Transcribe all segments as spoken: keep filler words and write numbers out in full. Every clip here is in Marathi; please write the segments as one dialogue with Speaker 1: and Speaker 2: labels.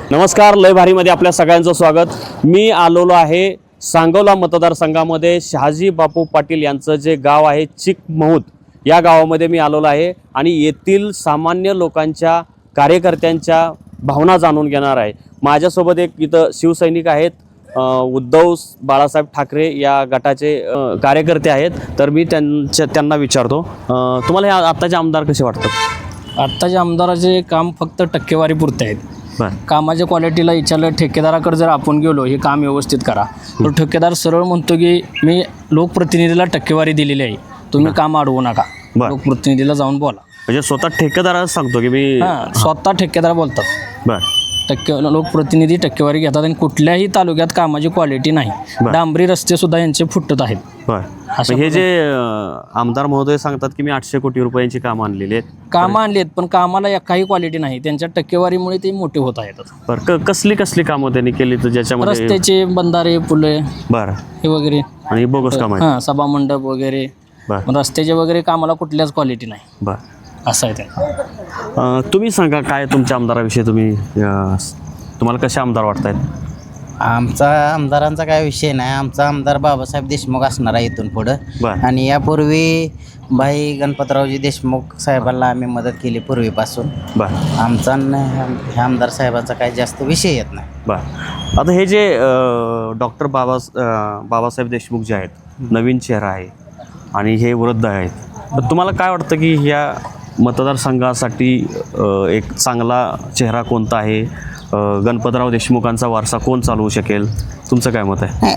Speaker 1: नमस्कार, लय भारीमध्ये आपल्या सगळ्यांचं स्वागत। मी आलेलो आहे सांगोला मतदारसंघामध्ये शहाजी बापू पाटील यांचं जे गाव आहे चिकमहूद, या गावामध्ये मी आलेलो आहे आणि येथील सामान्य लोकांच्या कार्यकर्त्यांच्या भावना जाणून घेणार आहे। माझ्यासोबत एक इथं शिवसैनिक आहेत, उद्धव बाळासाहेब ठाकरे या गटाचे कार्यकर्ते आहेत। तर मी त्यांच्या त्यांना विचारतो, तुम्हाला हे आत्ताचे आमदार कसे वाटतात?
Speaker 2: आत्ताचे आमदाराचे काम फक्त टक्केवारी पुरते आहेत। कामाच्या क्वालिटीला विचारलं, ठेकेदाराकडे जर आपण गेलो हे काम व्यवस्थित करा, तर ठेकेदार सरळ म्हणतो की मी लोकप्रतिनिधीला टक्केवारी दिलेली आहे, तुम्ही काम अडवू नका, लोकप्रतिनिधीला जाऊन बोला। म्हणजे
Speaker 1: स्वतः ठेकेदार सांगतो की मी
Speaker 2: स्वतः ठेकेदार बोलतात। बर टक्के लोकप्रतिनिधी टक्केवारी घेतात आणि कुठल्याही तालुक्यात कामाची क्वालिटी नाही, डांबरी रस्ते सुद्धा यांचे फुटत आहेत।
Speaker 1: बर हे जे आमदार महोदय सांगतात की मी आठशे कोटी रुपयांची कामं आणलेली आहेत,
Speaker 2: कामं आणली आहेत, पण कामाला काही क्वालिटी नाही, त्यांच्या टक्केवारीमुळे ते मोठे होत आहेत।
Speaker 1: बरं, कसली कसली कामं त्यांनी केली तर ज्याच्यामध्ये?
Speaker 2: रस्त्याचे, बंधारे, पुले,
Speaker 1: बरं
Speaker 2: हे वगैरे,
Speaker 1: आणि बोगस काम आहे,
Speaker 2: हां सभा मंडप वगैरे, रस्त्याचे वगैरे कामाला कुठल्याच क्वालिटी नाही।
Speaker 1: बरं
Speaker 2: असं आहे ते।
Speaker 1: तुम्ही सांगा काय तुमच्या आमदाराविषयी, तुम्ही तुम्हाला कसे आमदार वाटत आहेत?
Speaker 3: आमचा आमदारांचा काय विषय नाही, आमचा आमदार बाबासाहेब देशमुख असणार आहे इथून पुढं। आणि यापूर्वी भाई गणपतरावजी देशमुख साहेबांना आम्ही मदत केली पूर्वीपासून।
Speaker 1: बरं
Speaker 3: आमचा ह्या आमदार साहेबांचा काही जास्त विषय येत नाही।
Speaker 1: बरं, आता हे जे डॉक्टर बाबा बाबासाहेब देशमुख जे आहेत, नवीन चेहरा आहे आणि हे वृद्ध आहेत, तर तुम्हाला काय वाटतं की ह्या मतदारसंघासाठी एक चांगला चेहरा कोणता आहे? गणपतराव देशमुखांचा वारसा कोण चालवू शकेल? तुमचं काय मत आहे?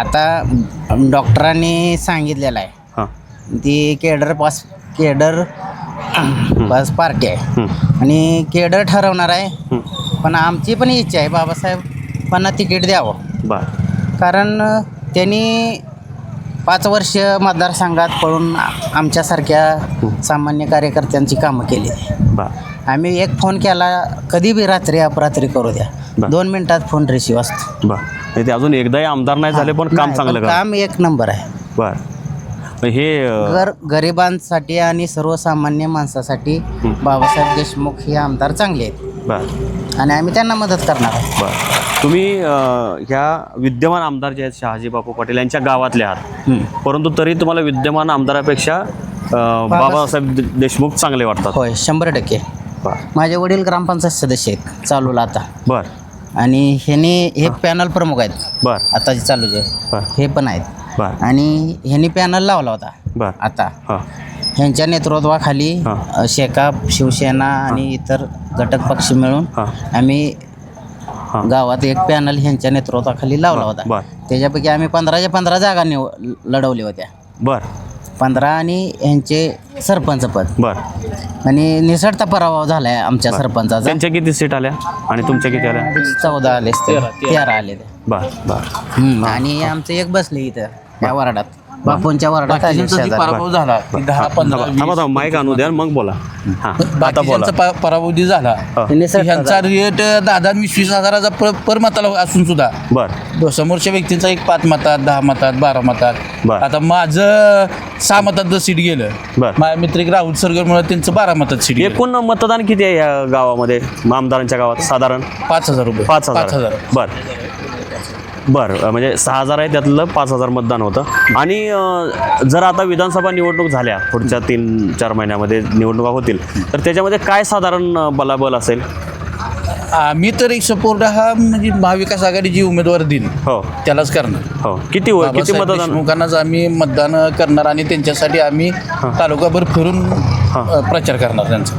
Speaker 3: आता डॉक्टरांनी सांगितलेलं आहे,
Speaker 1: हां
Speaker 3: ती cadre pass cadre pass party आहे आणि केडर ठरवणार आहे। पण आमची पण इच्छा आहे बाबासाहेबांना तिकीट द्यावं।
Speaker 1: बरं,
Speaker 3: कारण त्यांनी पाच वर्ष मतदारसंघात पळून आमच्यासारख्या सामान्य कार्यकर्त्यांची कामं केली।
Speaker 1: बरं,
Speaker 3: आम्ही एक फोन केला, कधी बी रात्री अपरात्री करू द्या, दोन मिनिटात फोन रिसिव्ह असतो।
Speaker 1: बरं, ते अजून एकदाही आमदार नाही झाले पण काम चांगलं करा,
Speaker 3: काम एक नंबर आहे।
Speaker 1: बरं, हे
Speaker 3: गर गरिबांसाठी आणि सर्वसामान्य माणसासाठी बाबासाहेब देशमुख हे आमदार चांगले आहेत।
Speaker 1: बरं,
Speaker 3: आणि आम्ही त्यांना मदत करणार आहोत।
Speaker 1: बरं, तुम्ही ह्या विद्यमान आमदार जे आहेत शहाजी बापू पाटील यांच्या गावातले आहात, परंतु तरी तुम्हाला विद्यमान आमदारापेक्षा बाबासाहेब देशमुख चांगले वाटतात?
Speaker 3: होय, शंभर टक्के। माझे वडील ग्रामपंचायत सदस्य आहेत चालूला आता।
Speaker 1: बरं,
Speaker 3: आणि ह्याने हे पॅनल प्रमुख आहेत।
Speaker 1: बरं,
Speaker 3: आता जे चालू जे हे पण आहेत।
Speaker 1: बरं,
Speaker 3: आणि ह्यांनी पॅनल लावला होता।
Speaker 1: बरं,
Speaker 3: आता
Speaker 1: हां
Speaker 3: ह्यांच्या नेतृत्वाखाली शेकाप, शिवसेना आणि इतर घटक पक्ष मिळून आम्ही गावात एक पॅनल ह्यांच्या नेतृत्वाखाली लावला होता। त्याच्यापैकी आम्ही पंधराच्या पंधरा जागा निव लढवल्या होत्या।
Speaker 1: बरं,
Speaker 3: पंधरा आणि ह्यांचे सरपंच पद।
Speaker 1: बरं,
Speaker 3: आणि निसटता पराभव झाला आहे आमच्या सरपंचाचा।
Speaker 1: त्यांच्या किती सीट आल्या आणि तुमच्या किती आल्या?
Speaker 3: चौदा आले, तेरा आले।
Speaker 1: बरं बरं,
Speaker 3: आणि आमचं एक बसले इथं या वार्डात, बापूंच्या वार्डात
Speaker 4: पराभव झाला, दहा पंधरा
Speaker 1: माईक आणू द्या मग बोला।
Speaker 4: आता बोला, पराभव झाला ह्यांचा रेट दहा दहा वीस वीस हजाराचा पर मताला असून सुद्धा
Speaker 1: बरं
Speaker 4: समोरच्या व्यक्तींचा एक पाच मतात, दहा मतात, बारा मतात। आता माझं सहा मतात सीट गेलं, माझ्या मित्र एक राहुल सरगरमुळे त्यांचं बारा मतात सीट।
Speaker 1: एकूण मतदान किती आहे या गावामध्ये, आमदारांच्या गावात? साधारण
Speaker 4: पाच हजार रुपये
Speaker 1: पाच हजार बरं बरं, म्हणजे सहा हजार आहे, त्यातलं पाच हजार मतदान होतं। आणि जर आता विधानसभा निवडणूक झाल्या, पुढच्या तीन चार महिन्यामध्ये निवडणुका होतील, तर त्याच्यामध्ये काय साधारण बलाबल असेल?
Speaker 4: आम्ही तर एक सपोर्ट हा म्हणजे महाविकास आघाडी जी उमेदवार देईल हो त्यालाच करणार।
Speaker 1: हो, किती किती मतदान?
Speaker 4: देशमुखांनाच आम्ही मतदान करणार आणि त्यांच्यासाठी आम्ही तालुकाभर फिरून प्रचार करणार त्यांचा।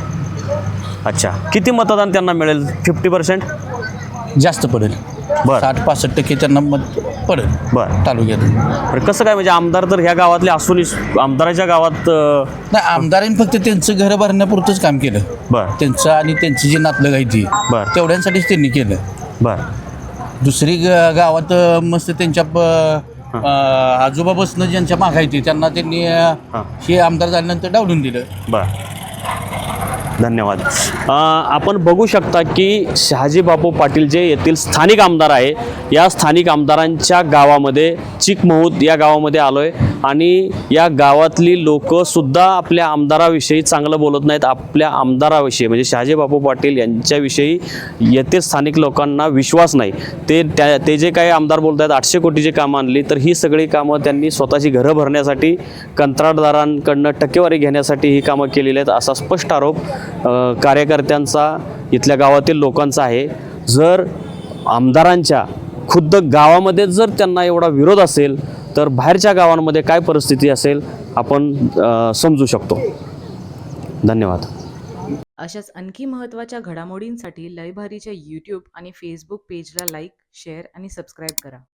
Speaker 1: बरं, अच्छा, किती मतदान त्यांना मिळेल? फिफ्टी पर्सेंट
Speaker 4: जास्त पडेल, साठ पासष्ट टक्के त्यांना मत पडेल
Speaker 1: बरं
Speaker 4: तालुक्यात।
Speaker 1: कसं काय, म्हणजे आमदार तर ह्या गावातले असून आमदाराच्या गावात
Speaker 4: नाही, आमदारांनी फक्त त्यांचं घर भरण्यापुरतंच काम केलं।
Speaker 1: बरं,
Speaker 4: त्यांचं आणि त्यांची जी नातलं गायची
Speaker 1: बरं
Speaker 4: तेवढ्यांसाठीच त्यांनी केलं।
Speaker 1: बरं,
Speaker 4: दुसरी गावात मस्त त्यांच्या आजोबा बसणं ज्यांच्या मागायची त्यांना त्यांनी हे आमदार झाल्यानंतर डावलून दिलं।
Speaker 1: बरं, धन्यवाद। आपण बघू शकता की शहाजी बापू पाटील जे येथील स्थानिक आमदार आहे, या स्थानिक आमदारांच्या गावामध्ये चिकमहूद या गावामध्ये आलोय आणि या गावातली लोकंसुद्धा आपल्या आमदाराविषयी चांगलं बोलत नाहीत. आपल्या आमदाराविषयी म्हणजे शहाजी बापू पाटील यांच्याविषयी येथे स्थानिक लोकांना विश्वास नाही. ते त्या ते जे काही आमदार बोलत आहेत आठशे कोटीची कामं आणली, तर ही सगळी कामं त्यांनी स्वतःची घरं भरण्यासाठी कंत्राटदारांकडनं टक्केवारी घेण्यासाठी ही कामं केलेली आहेत असा स्पष्ट आरोप अ, कार्यकर्त्यांचा इथल्या गावातील लोकांचा आहे. जर आमदारांच्या खुद्द गावामध्ये जर त्यांना एवढा विरोध असेल तर बाहेरच्या गावांमध्ये काय परिस्थिती असेल आपण अ, समजू शकतो. धन्यवाद.
Speaker 5: अशाच आणखी महत्त्वाच्या घडामोडींसाठी लयभारीच्या यूट्यूब आणि फेसबुक पेजला लाईक, शेअर आणि सबस्क्राईब करा.